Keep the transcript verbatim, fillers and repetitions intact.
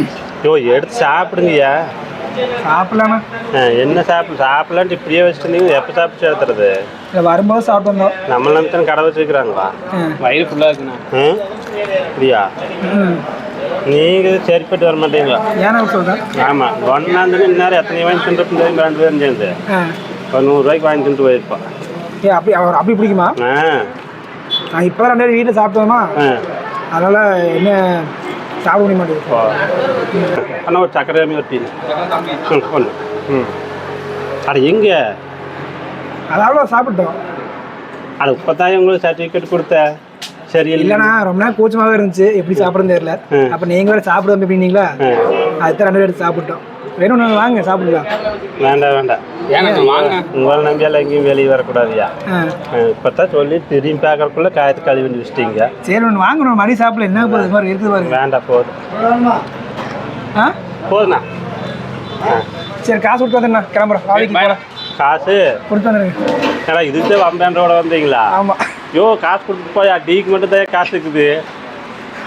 யோ எடுத்து சாப்பிடுங்கய்யா. சாப்பிடலாண்ணா. என்ன சாப்பிடு சாப்பிடலான்ட்டு இப்படியே வச்சுருந்தீங்க. எப்போ சாப்பிட்டு சேர்த்துறது? இல்லை வரும்போது சாப்பிட்டு வந்தோம். நம்மள நம்பி கடை வச்சுருக்குறாங்களா? வயிறு ஃபுல்லாக இருக்குண்ணா. ம் இப்படியா? நீங்கள் சரிப்பட்டு வர மாட்டீங்களா? ஏன்னா சொல்கிறேன். ஆமாம் ஒன்றாந்து இந்நேரம் எத்தனை வாங்கி தின்றுட்டு தெரியும். ரெண்டு பேரும் சேர்ந்து ஒரு நூறுரூவாய்க்கு வாங்கி தின்ட்டு போயிருப்போம். ஏ அப்படி அவர் அப்படி பிடிக்குமா? ஆ நான் இப்போ ரெண்டு பேரும் வீட்டில் சாப்பிட்டோமா, அதனால் என்ன சாப்பிட முடிய மாட்டேங்குது. ஆனால் ஒரு சக்கரை ஒரு டீ ம் ஒன்று. ம் அட எங்கே? அதாவது சாப்பிட்டோம். அட இப்போதான் உங்களுக்கு சர்டிஃபிகேட் கொடுத்த. சரி இல்லைண்ணா ரொம்ப நேரம் கூச்சமாகவே இருந்துச்சு, எப்படி சாப்பிட்றது தெரியல. அப்போ நீங்கள் வேறு சாப்பிடுவோம் எப்படின்னீங்களா, அதுதான் ரெண்டு பேரும் எடுத்து சாப்பிட்டோம். வேணும் ஒன்று வாங்க சாப்பிடலாம். வேண்டாம் வேண்டாம் ஏன்னா வாங்க. உங்களை நம்பியால் எங்கேயும் வெளியே வரக்கூடாதுயா. இப்போ தான் சொல்லி திரும்பி பார்க்கறக்குள்ளே காயத்தை கழுவி வந்து வச்சிட்டீங்க. சரி ஒன்று வாங்கணும், மணி சாப்பிடல என்ன போகுது மாதிரி இருக்குது பாருங்க. வேண்டாம் போதும். ஆ போதுண்ணா. ஆ சரி காசு கொடுத்து வந்துடுண்ணா, கிளம்புறோம். காலைக்கு போகலாம். காசு கொடுத்து வந்துடுங்க. ஏன்னா இதுக்கு வம்பேன்றோட வந்தீங்களா? ஆமாம். யோ காசு கொடுத்துட்டு போயா, டீக்கு மட்டும் தான் காசு இருக்குது.